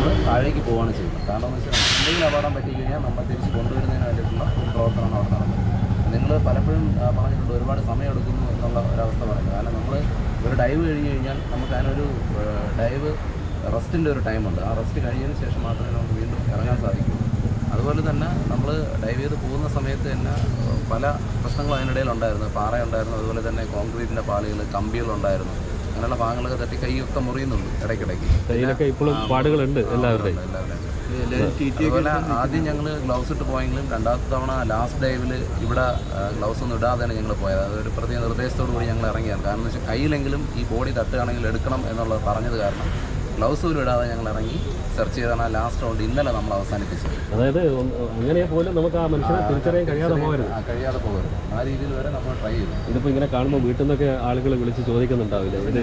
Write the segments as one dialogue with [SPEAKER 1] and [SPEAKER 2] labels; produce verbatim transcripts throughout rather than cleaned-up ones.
[SPEAKER 1] നമ്മൾ താഴേക്ക് പോവുകയാണ് ചെയ്യുന്നത്. കാരണം എന്ന് വെച്ചാൽ എന്തെങ്കിലും അപകടം പറ്റി കഴിഞ്ഞാൽ നമ്മൾ തിരിച്ച് കൊണ്ടുവരുന്നതിന് വേണ്ടിയിട്ടുള്ള ഒരു പ്രവർത്തനമാണ് അവിടെ നടക്കുന്നത്. നിങ്ങൾ പലപ്പോഴും പറഞ്ഞിട്ടുണ്ട് ഒരുപാട് സമയം എടുക്കുന്നു എന്നുള്ള ഒരവസ്ഥ പറയുന്നത്. കാരണം നമ്മൾ ഒരു ഡൈവ് കഴിഞ്ഞ് കഴിഞ്ഞാൽ നമുക്ക് അതിനൊരു ഡൈവ് റെസ്റ്റിൻ്റെ ഒരു ടൈമുണ്ട്. ആ റെസ്റ്റ് കഴിഞ്ഞതിന് ശേഷം മാത്രമേ നമുക്ക് വീണ്ടും ഇറങ്ങാൻ സാധിക്കൂ. അതുപോലെ തന്നെ നമ്മൾ ഡൈവ് ചെയ്ത് പോകുന്ന സമയത്ത് തന്നെ പല പ്രശ്നങ്ങളും അതിനിടയിലുണ്ടായിരുന്നു. പാറയുണ്ടായിരുന്നു, അതുപോലെ തന്നെ കോൺക്രീറ്റിൻ്റെ പാളികൾ, കമ്പികളുണ്ടായിരുന്നു. അങ്ങനെയുള്ള ഭാഗങ്ങളൊക്കെ തട്ടി കൈയൊക്കെ മുറിയുന്നുണ്ട് ഇടയ്ക്കിടയ്ക്ക്.
[SPEAKER 2] കയ്യിലൊക്കെ ഇപ്പോഴും പാടുകളുണ്ട് എല്ലാവരുടെയും.
[SPEAKER 1] അതുപോലെ ആദ്യം ഞങ്ങൾ ഗ്ലൗസ് ഇട്ട് പോയെങ്കിലും രണ്ടാമത്തെ തവണ ലാസ്റ്റ് ഡൈവിൽ ഇവിടെ ഗ്ലൗസ് ഒന്നും ഇടാതെയാണ് ഞങ്ങൾ പോയത്. അതൊരു പ്രത്യേക നിർദ്ദേശത്തോടു കൂടി ഞങ്ങൾ ഇറങ്ങിയാണ്. കാരണം എന്ന് വെച്ചാൽ കയ്യിലെങ്കിലും ഈ ബോഡി തട്ടുകയാണെങ്കിൽ എടുക്കണം എന്നുള്ളത് പറഞ്ഞത് കാരണം ഗ്ലൗസ് പോലും ഇടാതെ ഞങ്ങൾ ഇറങ്ങി സെർച്ച് ചെയ്താണ് ലാസ്റ്റ് റൗണ്ട് ഇന്നലെ നമ്മൾ അവസാനിപ്പിച്ചത്.
[SPEAKER 2] അതായത് അങ്ങനെ പോലും നമുക്ക് ആ മനുഷ്യനെ തിരിച്ചറിയാൻ കഴിയാതെ പോകരുത്
[SPEAKER 1] കഴിയാതെ പോകരുത് ആ രീതിയിൽ വരെ നമ്മൾ ട്രൈ ചെയ്തു.
[SPEAKER 2] ഇതിപ്പോൾ ഇങ്ങനെ കാണുമ്പോൾ വീട്ടിൽ നിന്നൊക്കെ ആളുകൾ വിളിച്ച് ചോദിക്കുന്നുണ്ടാവില്ല? ഇത്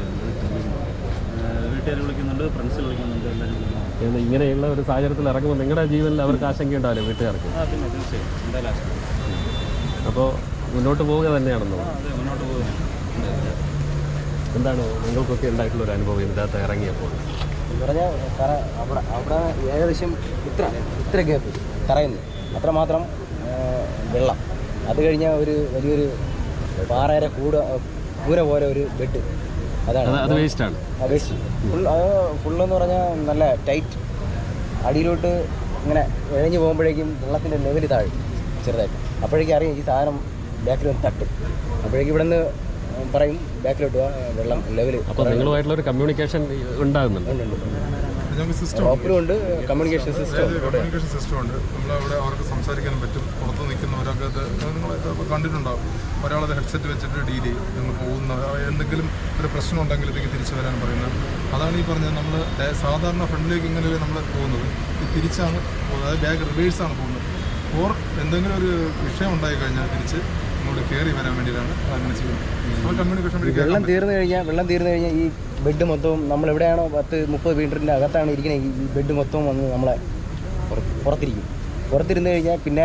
[SPEAKER 3] വീട്ടുകാർ വിളിക്കുന്നുണ്ട്, ഫ്രണ്ട്സ് വിളിക്കുന്നുണ്ട്, എല്ലാവരും വിളിക്കുന്നുണ്ട്.
[SPEAKER 2] ഇങ്ങനെയുള്ള ഒരു സാഹചര്യത്തിൽ ഇറങ്ങുമ്പോൾ നിങ്ങളുടെ ജീവനിൽ അവർക്ക് ആശങ്കയുണ്ടാവില്ലേ വീട്ടുകാർക്ക്?
[SPEAKER 3] ആ പിന്നെ തീർച്ചയായും എന്തായാലും.
[SPEAKER 2] അപ്പോൾ മുന്നോട്ട് പോവുക തന്നെയാണെന്നോ?
[SPEAKER 3] അതെ, മുന്നോട്ട് പോകുകയാണ്.
[SPEAKER 2] എന്താണ് നിങ്ങൾക്കൊക്കെ ഉണ്ടായിട്ടുള്ളൊരു അനുഭവം ഇതിനകത്ത് ഇറങ്ങിയപ്പോൾ?
[SPEAKER 4] എന്ന് പറഞ്ഞാൽ കറ അവിടെ അവിടെ ഏകദേശം ഇത്ര ഇത്ര ഗ്യാപ്പ് കറയുന്നു, അത്രമാത്രം വെള്ളം. അത് കഴിഞ്ഞാൽ ഒരു വലിയൊരു പാറയുടെ കൂട കൂര പോലെ ഒരു ബെഡ്, അതാണ്
[SPEAKER 2] അത് വേസ്റ്റാണ്.
[SPEAKER 4] ആ വേസ്റ്റ് ഫുൾ. അത് ഫുള്ളെന്ന് പറഞ്ഞാൽ നല്ല ടൈറ്റ്. അടിയിലോട്ട് ഇങ്ങനെ ഇഴഞ്ഞു പോകുമ്പോഴേക്കും വെള്ളത്തിൻ്റെ ലെവൽ താഴും ചെറുതായിട്ട്. അപ്പോഴേക്കും അറിയാം ഈ സാധനം ബാക്കിൽ വന്ന് തട്ടും. അപ്പോഴേക്കും ഇവിടെ നിന്ന് പറയും ബാക്കിലോട്ട് വെള്ളം ലെവൽ.
[SPEAKER 2] അപ്പോൾ നിങ്ങളുമായിട്ടുള്ളൊരു കമ്മ്യൂണിക്കേഷൻ ഉണ്ടാകുന്നുണ്ട്?
[SPEAKER 4] റോപ്പിലും ഉണ്ട്, കമ്മ്യൂണിക്കേഷൻ സിസ്റ്റം
[SPEAKER 5] കമ്മ്യൂണിക്കേഷൻ സിസ്റ്റം ഉണ്ട്. നമ്മളവിടെ അവർക്ക് സംസാരിക്കാനും പറ്റും. പുറത്ത് നിൽക്കുന്നവരൊക്കെ അത് നിങ്ങൾ കണ്ടിട്ടുണ്ടാവും. ഒരാളത് ഹെഡ്സെറ്റ് വെച്ചിട്ട് ഡീൽ ചെയ്യും. നിങ്ങൾ പോകുന്ന എന്തെങ്കിലും ഒരു പ്രശ്നം ഉണ്ടെങ്കിൽ ഇതൊക്കെ തിരിച്ചു വരാൻ പറയുന്നത്. അതാണ് ഈ പറഞ്ഞത്. നമ്മൾ സാധാരണ ഫ്രണ്ടിലേക്ക് ഇങ്ങനെ നമ്മൾ പോകുന്നത് തിരിച്ചാണ് പോകുന്നത്. അതായത് ബാഗ് റിവേഴ്സാണ് പോകുന്നത്. ഓർ എന്തെങ്കിലും ഒരു വിഷയം ഉണ്ടായി കഴിഞ്ഞാൽ തിരിച്ച് ഇങ്ങോട്ട് കയറി വരാൻ വേണ്ടിയിട്ടാണ് അങ്ങനെ ചെയ്യുന്നത്. നമ്മൾ കമ്മ്യൂണിക്കേഷൻ വേണ്ടി
[SPEAKER 4] വെള്ളം തീർന്നു കഴിഞ്ഞാൽ വെള്ളം തീർന്നു കഴിഞ്ഞാൽ ഈ ബെഡ് മൊത്തവും നമ്മൾ എവിടെയാണോ പത്ത് മുപ്പത് മീറ്ററിൻ്റെ അകത്താണ് ഇരിക്കുന്നത്, ഈ ബെഡ് മൊത്തവും വന്ന് നമ്മളെ പുറത്തിരിക്കും. പുറത്തിരുന്ന് കഴിഞ്ഞാൽ പിന്നെ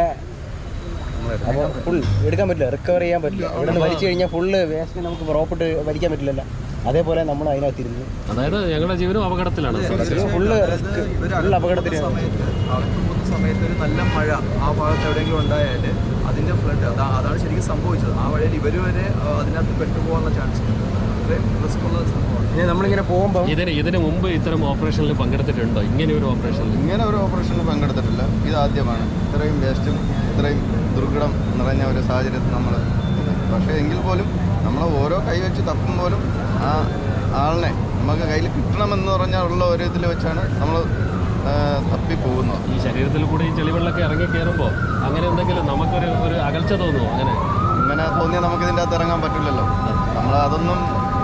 [SPEAKER 4] അപ്പോൾ ഫുൾ എടുക്കാൻ പറ്റില്ല, റിക്കവർ ചെയ്യാൻ പറ്റില്ല. ഇവിടെ നിന്ന് വലിച്ചു കഴിഞ്ഞാൽ ഫുള്ള് വേസ്റ്റ് നമുക്ക് റോപ്പിട്ട് വലിക്കാൻ പറ്റില്ലല്ലോ. അതേപോലെ നമ്മൾ അതിനകത്തിരുന്നു.
[SPEAKER 2] അതായത് ഞങ്ങളുടെ ജീവനും അപകടത്തിലാണ്.
[SPEAKER 4] ഫുള്ള് റിസ്ക്, ഫുൾ അപകടത്തിൽ.
[SPEAKER 6] അവർക്ക് പോകുന്ന സമയത്ത് ഒരു നല്ല മഴ ആ ഭാഗത്ത് എവിടെയെങ്കിലും ഉണ്ടായാൽ അതിൻ്റെ ഫ്ലഡ് അതാ അതാണ് ശരിക്കും സംഭവിച്ചത്. ആ വഴിയിൽ ഇവർ വരെ അതിനകത്ത് പെട്ടുപോകാനുള്ള ചാൻസ് ഉണ്ട്. അത്രയും റിസ്ക് ഉള്ള സംഭവമാണ്.
[SPEAKER 4] നമ്മളിങ്ങനെ പോകുമ്പോൾ
[SPEAKER 2] ഇതിന് ഇതിന് മുമ്പ് ഇത്തരം ഓപ്പറേഷനിൽ പങ്കെടുത്തിട്ടുണ്ടോ? ഇങ്ങനെ ഒരു ഓപ്പറേഷനിൽ
[SPEAKER 7] ഇങ്ങനെ ഒരു ഓപ്പറേഷനിൽ പങ്കെടുത്തിട്ടില്ല. ഇത് ആദ്യമാണ്. ഇത്രയും വേസ്റ്റും ഇത്രയും ദുർഘടം നിറഞ്ഞ ഒരു സാഹചര്യത്തിൽ നമ്മൾ. പക്ഷേ എങ്കിൽ പോലും നമ്മൾ ഓരോ കൈ വെച്ച് തപ്പും പോലും ആ ആളിനെ നമുക്ക് കയ്യിൽ കിട്ടണമെന്ന് പറഞ്ഞാൽ ഉള്ള ഒരു ഇതിൽ വെച്ചാണ് നമ്മൾ തപ്പി പോകുന്നത്.
[SPEAKER 2] ഈ ശരീരത്തിൽ കൂടെ ഈ ചെളിവെള്ളമൊക്കെ ഇറങ്ങി കയറുമ്പോൾ അങ്ങനെ എന്തെങ്കിലും നമുക്കൊരു ഒരു അകൽച്ച തോന്നുമോ? അങ്ങനെ
[SPEAKER 7] ഇങ്ങനെ തോന്നിയാൽ നമുക്ക് ഇതിൻ്റെ അകത്ത് ഇറങ്ങാൻ പറ്റില്ലല്ലോ. നമ്മൾ അതൊന്നും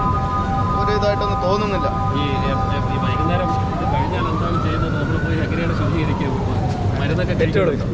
[SPEAKER 7] ഒരു ഇതായിട്ടൊന്നും തോന്നുന്നില്ല.
[SPEAKER 2] ഈ ഈ വൈകുന്നേരം ഇത് കഴിഞ്ഞാൽ എന്താണ് ചെയ്യുന്നത്? നമ്മൾ പോയി എങ്ങനെയാണ് ശുചീകരിക്കുക? മരുന്നൊക്കെ കഴിച്ചു കൊടുക്കും.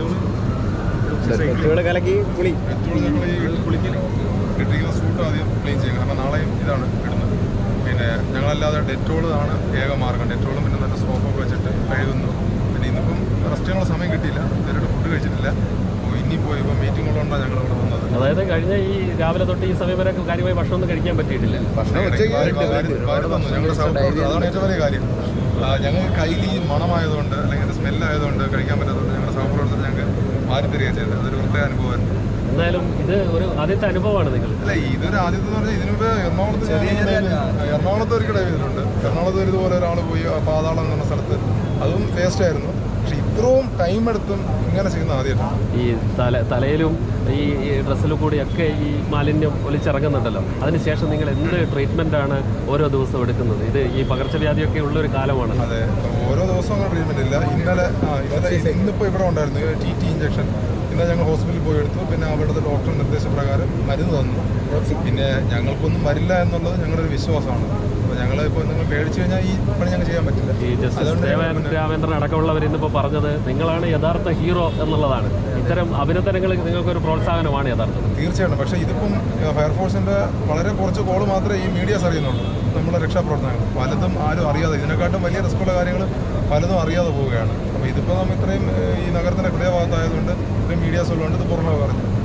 [SPEAKER 4] കലക്കി കുളി
[SPEAKER 5] കുളിക്കൽ ഇട്ടിരിക്കുന്ന സൂട്ട് ആദ്യം ക്ലീൻ ചെയ്യും. കാരണം നാളെയും ഇതാണ് ഇടുന്നത്. പിന്നെ ഞങ്ങളല്ലാതെ ഡെറ്റോൾ ആണ് ഏക മാർഗം. ഡെറ്റോളും പിന്നെ നല്ല സോപ്പൊക്കെ വെച്ചിട്ട് കഴുകുന്നു. പിന്നെ ഇന്നിപ്പം റെസ്റ്റ് ചെയ്യാനുള്ള സമയം കിട്ടിയില്ല, നേരിട്ട് ഫുഡ് കഴിച്ചിട്ടില്ല. അപ്പോൾ ഇനി പോയി ഇപ്പോൾ മീറ്റിംഗ് ഉള്ളതുകൊണ്ടാണ് ഞങ്ങൾ ഇവിടെ വന്നത്.
[SPEAKER 2] അതായത് കഴിഞ്ഞ ഈ രാവിലെ തൊട്ട് ഈ സമയം വരെ കാര്യമായി ഭക്ഷണമൊന്നും കഴിക്കാൻ പറ്റിയിട്ടില്ല.
[SPEAKER 5] ഭക്ഷണം തന്നു ഞങ്ങളുടെ സഹപ്രവർത്തകർ. അതാണ് ഏറ്റവും വലിയ കാര്യം. ഞങ്ങൾക്ക് കയ്യിൽ ഈ മണമായതുകൊണ്ട് അല്ലെങ്കിൽ സ്മെല്ലായതുകൊണ്ട് കഴിക്കാൻ പറ്റാത്തതുകൊണ്ട് ഞങ്ങളുടെ സഹപ്രവർത്തകർ ഞങ്ങൾക്ക് മാറി തരിക ചെയ്തത്. അതൊരു പ്രത്യേക അനുഭവമായിരുന്നു.
[SPEAKER 2] എന്തായാലും ഇത് ഒരു ആദ്യത്തെ അനുഭവമാണ് നിങ്ങൾ?
[SPEAKER 5] അല്ല, ഇതൊരു ആദ്യത്തെ എന്ന് പറഞ്ഞാൽ ഇതിനു മുമ്പ് എറണാകുളത്ത് എറണാകുളത്ത് ഒരു ഡൈവ് ചെയ്തിട്ടുണ്ട്. എറണാകുളത്ത് ഇതുപോലെ ഒരാൾ പോയി പാതാളം എന്ന് പറഞ്ഞ സ്ഥലത്ത്, അതും വേസ്റ്റ് ആയിരുന്നു. പക്ഷെ ഇത്രയും ടൈം എടുത്തും ഇങ്ങനെ ചെയ്യുന്ന ആദ്യമായിട്ടാണ്.
[SPEAKER 2] ഈ തല തലയിലും ഈ ഡ്രസ്സിലും കൂടിയൊക്കെ ഈ മാലിന്യം ഒലിച്ചിറങ്ങുന്നുണ്ടല്ലോ. അതിനുശേഷം നിങ്ങൾ എന്ത് ട്രീറ്റ്മെൻ്റ് ആണ് ഓരോ ദിവസവും എടുക്കുന്നത്? ഇത് ഈ പകർച്ചവ്യാധിയൊക്കെ ഉള്ളൊരു കാലമാണ്.
[SPEAKER 5] അതെ, ഓരോ ദിവസവും അങ്ങനെ ട്രീറ്റ്മെൻറ്റ് ഇല്ല. ഇന്നലെ ആ ഇന്നലെ ഇന്നിപ്പോൾ ഇവിടെ ഉണ്ടായിരുന്നു ടി ടി ഇഞ്ചക്ഷൻ. ഇന്നലെ ഞങ്ങൾ ഹോസ്പിറ്റലിൽ പോയി എടുത്തു. പിന്നെ അവിടുത്തെ ഡോക്ടർ നിർദ്ദേശപ്രകാരം മരുന്ന് തന്നു. പിന്നെ ഞങ്ങൾക്കൊന്നും വരില്ല എന്നുള്ളത് ഞങ്ങളുടെ ഒരു വിശ്വാസമാണ്. അപ്പോൾ ഞങ്ങൾ ഇപ്പോൾ നിങ്ങൾ പേടിച്ചു കഴിഞ്ഞാൽ ഈ പണി ഞങ്ങൾ ചെയ്യാൻ പറ്റില്ല.
[SPEAKER 2] ഈ ജസ്റ്റിസ് ദേവൻ രാമേന്ദ്രൻ അടക്കമുള്ളവർ ഇന്നിപ്പോൾ പറഞ്ഞത് നിങ്ങളാണ് യഥാർത്ഥ ഹീറോ എന്നുള്ളതാണ്. ഇത്തരം അഭിനന്ദനങ്ങൾ നിങ്ങൾക്കൊരു പ്രോത്സാഹനമാണ് യഥാർത്ഥത്തിൽ.
[SPEAKER 5] തീർച്ചയായിട്ടും. പക്ഷേ ഇതിപ്പം ഫയർഫോഴ്സിൻ്റെ വളരെ കുറച്ച് കോള് മാത്രമേ ഈ മീഡിയാസ് അറിയുന്നുള്ളൂ. നമ്മുടെ രക്ഷാപ്രവർത്തനങ്ങൾ പലതും ആരും അറിയാതെ, ഇതിനെക്കാട്ടും വലിയ റിസ്ക്കുള്ള കാര്യങ്ങൾ പലതും അറിയാതെ പോവുകയാണ്. അപ്പോൾ ഇതിപ്പോൾ നമ്മൾ ഇത്രയും ഈ നഗരത്തിൻ്റെ ഹൃദയഭാഗത്തായതുകൊണ്ട് ഇത്രയും മീഡിയാസ് ഉള്ളതുകൊണ്ട് ഇത് പുറമെ പറഞ്ഞു.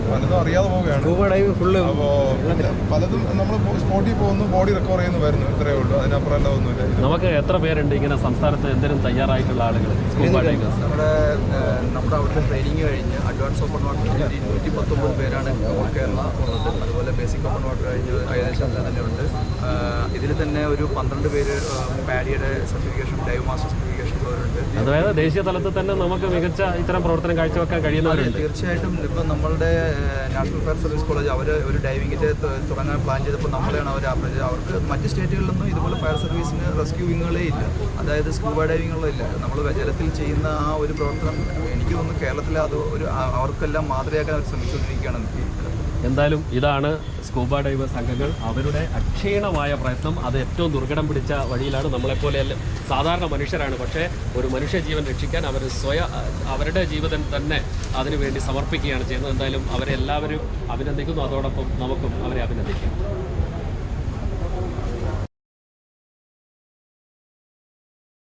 [SPEAKER 5] പലതും അറിയാതെ പോവുകയാണ്.
[SPEAKER 4] സ്കൂബ ഡൈവ് ഫുള്ള്
[SPEAKER 5] അപ്പോൾ പലതും നമ്മൾ സ്പോട്ടിൽ പോകുന്നു, ബോഡി റിക്കവർ ചെയ്യുന്നു വരുന്നു, ഇത്രയേ ഉള്ളൂ. അതിനപ്പുറം അല്ല ഒന്നുമില്ല.
[SPEAKER 2] നമുക്ക് എത്ര പേരുണ്ട് ഇങ്ങനെ സംസ്ഥാനത്ത് എന്തെങ്കിലും തയ്യാറായിട്ടുള്ള ആളുകൾ സ്കൂബ ഡൈവേഴ്സ്?
[SPEAKER 6] നമ്മുടെ ഏഹ്, നമ്മുടെ അവിടുത്തെ ട്രെയിനിങ് കഴിഞ്ഞ് അഡ്വാൻസ് ഓപ്പൺ വാട്ടർ ഒരു നൂറ്റി പത്തൊമ്പത് പേരാണ് കേരള ഉള്ളത്. അതുപോലെ ബേസിക് ഓപ്പൺ വാട്ടർ കഴിഞ്ഞ് ഏകദേശം അങ്ങനെ തന്നെ ഉണ്ട്. ഇതിൽ തന്നെ ഒരു പന്ത്രണ്ട് പേര് പാഡിയുടെ സർട്ടിഫിക്കേഷൻ, ഡൈവ് മാസ്റ്റർ സർട്ടിഫിക്കേഷൻ ഉള്ളവരുണ്ട്.
[SPEAKER 2] അതായത് ദേശീയ തലത്തിൽ തന്നെ നമുക്ക് മികച്ച ഇത്തരം പ്രവർത്തനം കാഴ്ചവെക്കാൻ കഴിയുന്നവരുണ്ട്.
[SPEAKER 6] തീർച്ചയായിട്ടും ഇപ്പം നമ്മളുടെ നാഷണൽ ഫയർ സർവീസ് കോളേജ് അവർ ഒരു ഡൈവിങ്ങിൻ്റെ തുടങ്ങാൻ പ്ലാൻ ചെയ്തപ്പോൾ നമ്മളെയാണ് അവർ അപ്രോച്ച്. അവർക്ക് മറ്റ് സ്റ്റേറ്റുകളിലൊന്നും ഇതുപോലെ ഫയർ സർവീസിന് റെസ്ക്യൂ വിങ്ങുകളേ ഇല്ല, അതായത് സ്കൂബ ഡൈവിങ്ങുകളില്ല. നമ്മൾ ജലത്തിൽ ചെയ്യുന്ന ആ ഒരു പ്രവർത്തനം എനിക്ക് തോന്നുന്നു കേരളത്തിൽ അത് ഒരു അവർക്കെല്ലാം മാതൃകയാക്കാൻ അവർ ശ്രമിച്ചുകൊണ്ടിരിക്കുകയാണ്.
[SPEAKER 2] എന്തായാലും ഇതാണ് സ്കൂബ ഡൈവേഴ്സ് സംഘങ്ങൾ. അവരുടെ അക്ഷീണമായ പ്രയത്നം അത് ഏറ്റവും ദുർഘടം പിടിച്ച വഴിയിലാണ്. നമ്മളെപ്പോലെ സാധാരണ മനുഷ്യരാണ്, പക്ഷേ ഒരു മനുഷ്യ ജീവൻ രക്ഷിക്കാൻ അവർ സ്വയം അവരുടെ ജീവിതം തന്നെ അതിനുവേണ്ടി സമർപ്പിക്കുകയാണ് ചെയ്യുന്നത്. എന്തായാലും അവരെ എല്ലാവരും അഭിനന്ദിക്കുന്നു, അതോടൊപ്പം നമുക്കും അവരെ അഭിനന്ദിക്കാം.